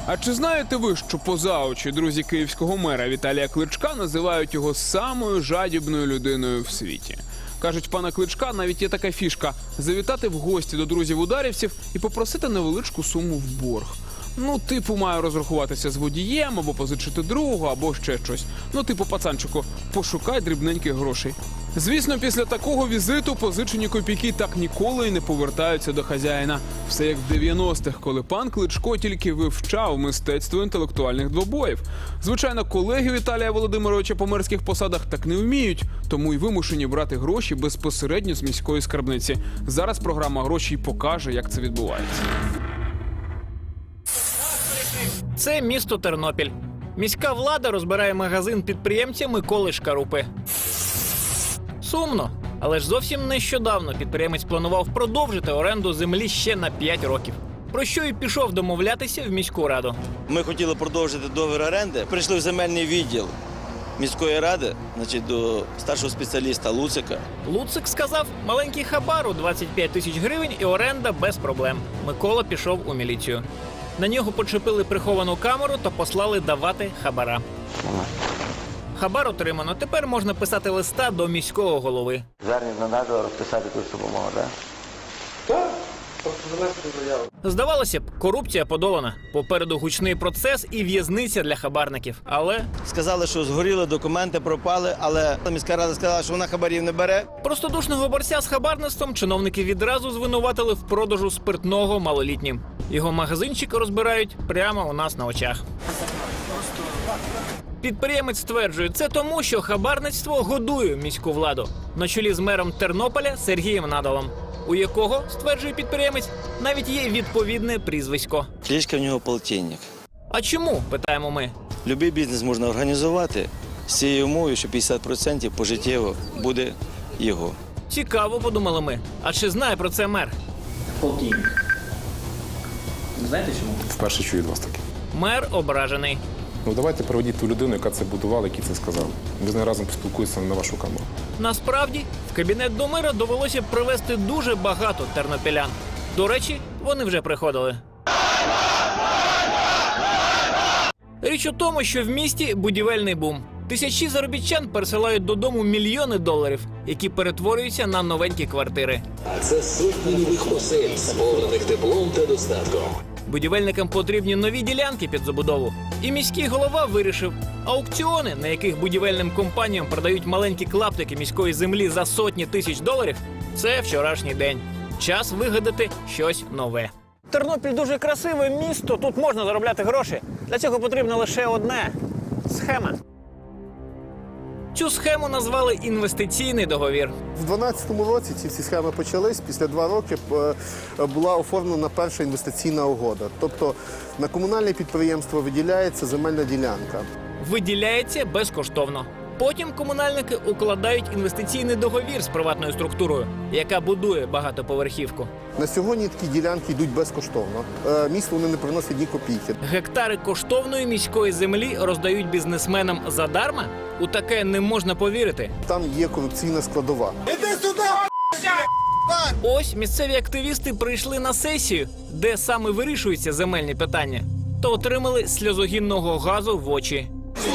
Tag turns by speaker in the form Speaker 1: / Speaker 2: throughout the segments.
Speaker 1: А чи знаєте ви, що поза очі друзі київського мера Віталія Кличка називають його самою жадібною людиною в світі? Кажуть, пана Кличка навіть є така фішка – завітати в гості до друзів-ударівців і попросити невеличку суму в борг. Ну, типу, маю розрахуватися з водієм, або позичити другу, або ще щось. Ну, типу, пацанчику, пошукай дрібненьких грошей. Звісно, після такого візиту позичені копійки так ніколи й не повертаються до хазяїна. Все як в 90-х, коли пан Кличко тільки вивчав мистецтво інтелектуальних двобоїв. Звичайно, колеги Віталія Володимировича по мерських посадах так не вміють, тому й вимушені брати гроші безпосередньо з міської скарбниці. Зараз програма «Гроші» й покаже, як це відбувається.
Speaker 2: Це місто Тернопіль. Міська влада розбирає магазин підприємця Миколи Шкарупи. Сумно, але ж зовсім нещодавно підприємець планував продовжити оренду землі ще на 5 років. Про що і пішов домовлятися в міську раду.
Speaker 3: Ми хотіли продовжити договір оренди. Прийшли в земельний відділ міської ради, до старшого спеціаліста Луцика.
Speaker 2: Луцик сказав, маленький хабар у 25 тисяч гривень і оренда без проблем. Микола пішов у міліцію. На нього почепили приховану камеру та послали давати хабара. Хабар отримано. Тепер можна писати листа до міського голови.
Speaker 4: Звернення не треба розписати якусь допомогу, так?
Speaker 5: Так, просто занести заяву.
Speaker 2: Здавалося б, корупція подолана. Попереду гучний процес і в'язниця для хабарників. Але
Speaker 3: Сказали, що згоріли, документи пропали, але міська рада сказала, що вона хабарів не бере.
Speaker 2: простодушного борця з хабарництвом чиновники відразу звинуватили в продажу спиртного малолітнім. Його магазинчик розбирають прямо у нас на очах. Підприємець стверджує, це тому, що хабарництво годує міську владу. На чолі з мером Тернополя Сергієм Надалом, у якого, стверджує підприємець, навіть є відповідне прізвисько.
Speaker 3: Кличка в нього полтинник.
Speaker 2: А чому, питаємо ми?
Speaker 3: Любий бізнес можна організувати з цією умовою, що 50% пожиттєво буде його.
Speaker 2: Цікаво, подумали ми. А чи знає про це мер?
Speaker 6: Полтинник. Знаєте чому?
Speaker 7: Вперше чую від вас таке.
Speaker 2: Мер ображений.
Speaker 7: Ну давайте проведіть ту людину, яка це будувала, який це сказав. Ми з нею разом поспілкуємося на вашу камеру.
Speaker 2: Насправді, в кабінет до мера довелося привезти дуже багато тернопілян. До речі, вони вже приходили. Річ у тому, що в місті будівельний бум. Тисячі заробітчан пересилають додому мільйони доларів, які перетворюються на новенькі квартири.
Speaker 8: А це сотні нових осель, сповнених теплом та достатком.
Speaker 2: Будівельникам потрібні нові ділянки під забудову. І міський голова вирішив, аукціони, на яких будівельним компаніям продають маленькі клаптики міської землі за сотні тисяч доларів, це вчорашній день. Час вигадати щось нове. Тернопіль дуже красиве місто, тут можна заробляти гроші. Для цього потрібно лише одне – схема. Цю схему назвали інвестиційний договір.
Speaker 5: В 2012 році ці всі схеми почались. Після 2 роки була оформлена перша інвестиційна угода. Тобто на комунальне підприємство виділяється земельна ділянка.
Speaker 2: Виділяється безкоштовно. Потім комунальники укладають інвестиційний договір з приватною структурою, яка будує багатоповерхівку.
Speaker 5: На сьогодні такі ділянки йдуть безкоштовно. Місту вони не приносять ні копійки.
Speaker 2: Гектари коштовної міської землі роздають бізнесменам задарма? У таке не можна повірити.
Speaker 5: Там є корупційна складова.
Speaker 2: Ось місцеві активісти прийшли на сесію, де саме вирішуються земельні питання, то отримали сльозогінного газу в очі.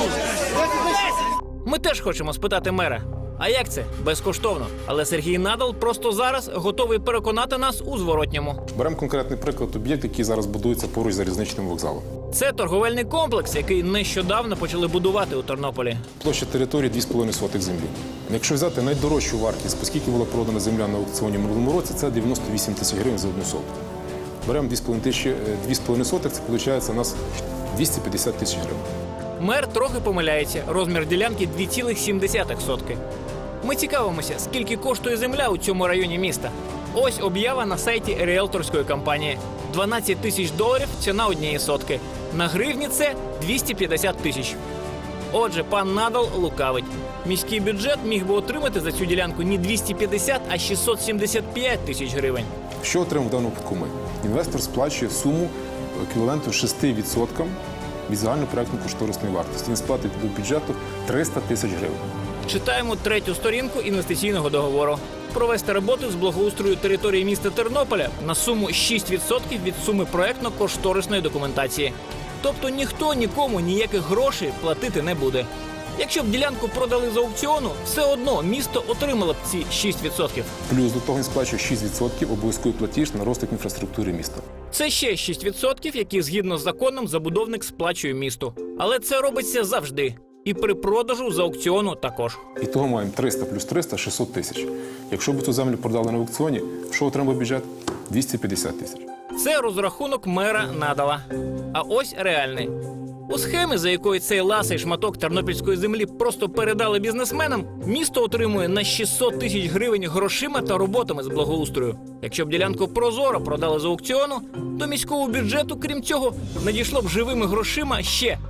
Speaker 2: Ми теж хочемо спитати мера. А як це? Безкоштовно. Але Сергій Надал просто зараз готовий переконати нас у зворотньому.
Speaker 7: Беремо конкретний приклад об'єкт, який зараз будується поруч з залізничним вокзалом.
Speaker 2: Це торговельний комплекс, який нещодавно почали будувати у Тернополі.
Speaker 7: Площа території 2,5 сотих землі. Якщо взяти найдорожчу вартість, оскільки була продана земля на аукціоні в минулому році, це 98 тисяч гривень за 1 сотку. Беремо 2,5 сотих, це виходить у нас 250 тисяч гривень.
Speaker 2: Мер трохи помиляється. Розмір ділянки 2,7 сотки. Ми цікавимося, скільки коштує земля у цьому районі міста. Ось об'ява на сайті ріелторської компанії. 12 тисяч доларів – ціна однієї сотки. На гривні це 250 тисяч. Отже, пан Надал лукавить. Міський бюджет міг би отримати за цю ділянку не 250, а 675 тисяч гривень.
Speaker 7: Що отримав в даному випадку ми? Інвестор сплачує суму еквіваленту 6% від загальнопроектно-кошторисної вартості. Він сплатить до бюджету 300 тисяч гривень.
Speaker 2: Читаємо 3-ю сторінку інвестиційного договору. Провести роботи з благоустрою території міста Тернополя на суму 6% від суми проектно-кошторисної документації. Тобто ніхто нікому ніяких грошей платити не буде. Якщо б ділянку продали з аукціону, все одно місто отримало б ці 6%.
Speaker 7: Плюс до того він сплачує 6% обов'язковий платіж на розвиток інфраструктури міста.
Speaker 2: Це ще 6%, які згідно з законом забудовник сплачує місту. Але це робиться завжди. І при продажу з аукціону також.
Speaker 7: І того маємо 300 плюс 300 – 600 тисяч. Якщо б цю землю продали на аукціоні, що отримав бюджет? 250 тисяч.
Speaker 2: Це розрахунок мера Надала. А ось реальний. У схемі, за якою цей ласий шматок тернопільської землі просто передали бізнесменам, місто отримує на 600 тисяч гривень грошима та роботами з благоустрою. Якщо б ділянку прозоро продали з аукціону, до міського бюджету, крім цього, надійшло б живими грошима ще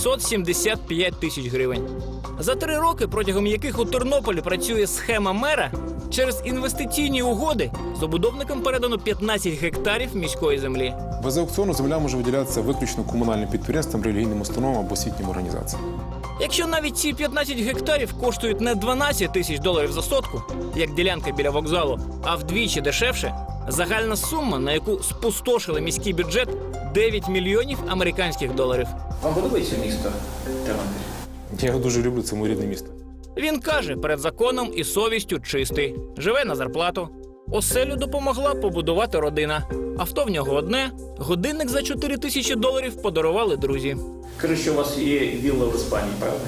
Speaker 2: 675 тисяч гривень. За 3 роки, протягом яких у Тернополі працює схема мера, через інвестиційні угоди забудовникам передано 15 гектарів міської землі.
Speaker 7: Без аукціону земля може виділятися виключно комунальним підприємствам, релігійним установам або освітнім організаціям.
Speaker 2: Якщо навіть ці 15 гектарів коштують не 12 тисяч доларів за сотку, як ділянка біля вокзалу, а вдвічі дешевше, загальна сума, на яку спустошили міський бюджет – 9 мільйонів американських доларів.
Speaker 6: Вам подобається місто Тернопіль?
Speaker 7: Я його дуже люблю, це моє рідне місто.
Speaker 2: Він каже, перед законом і совістю чистий. Живе на зарплату. Оселю допомогла побудувати родина. Авто в нього одне, годинник за 4 тисячі доларів подарували друзі.
Speaker 6: Кажуть, що у вас є вілла в Іспанії, правда?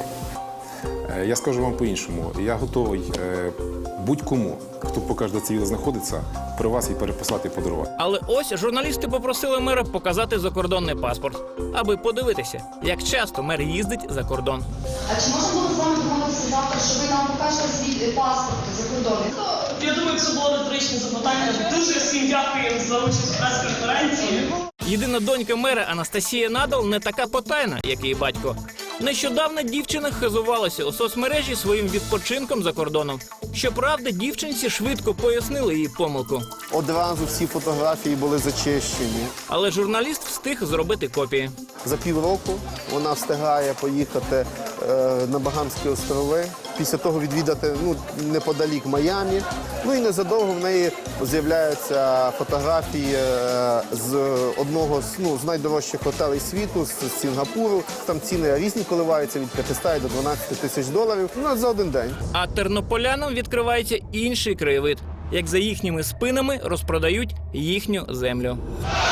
Speaker 7: Я скажу вам по-іншому. Я готовий будь-кому, хто покаже, де ця вілла знаходиться, при вас її переписати і подарувати.
Speaker 2: Але ось журналісти попросили мера показати закордонний паспорт, аби подивитися, як часто мер їздить за кордон.
Speaker 9: А чи можна було з вами домовитися завтра, що ви нам покажете свій паспорт закордонний?
Speaker 10: Я думаю, це було риторичне запитання. Дуже всім дякую за участь в прес-конференції.
Speaker 2: Єдина донька мера Анастасія Надал не така потайна, як її батько. Нещодавно дівчина хизувалася у соцмережі своїм відпочинком за кордоном. Щоправда, дівчинці швидко пояснили її помилку.
Speaker 5: Одразу всі фотографії були зачищені.
Speaker 2: Але журналіст встиг зробити копії.
Speaker 5: За півроку вона встигає поїхати на Багамські острови, після того відвідати неподалік Майамі. Ну і незадовго в неї з'являються фотографії з одного з найдорожчих готелей світу, з Сінгапуру. Там ціни різні коливаються від 500 до 12 тисяч доларів за один день.
Speaker 2: А тернополянам відкривається інший краєвид, як за їхніми спинами розпродають їхню землю.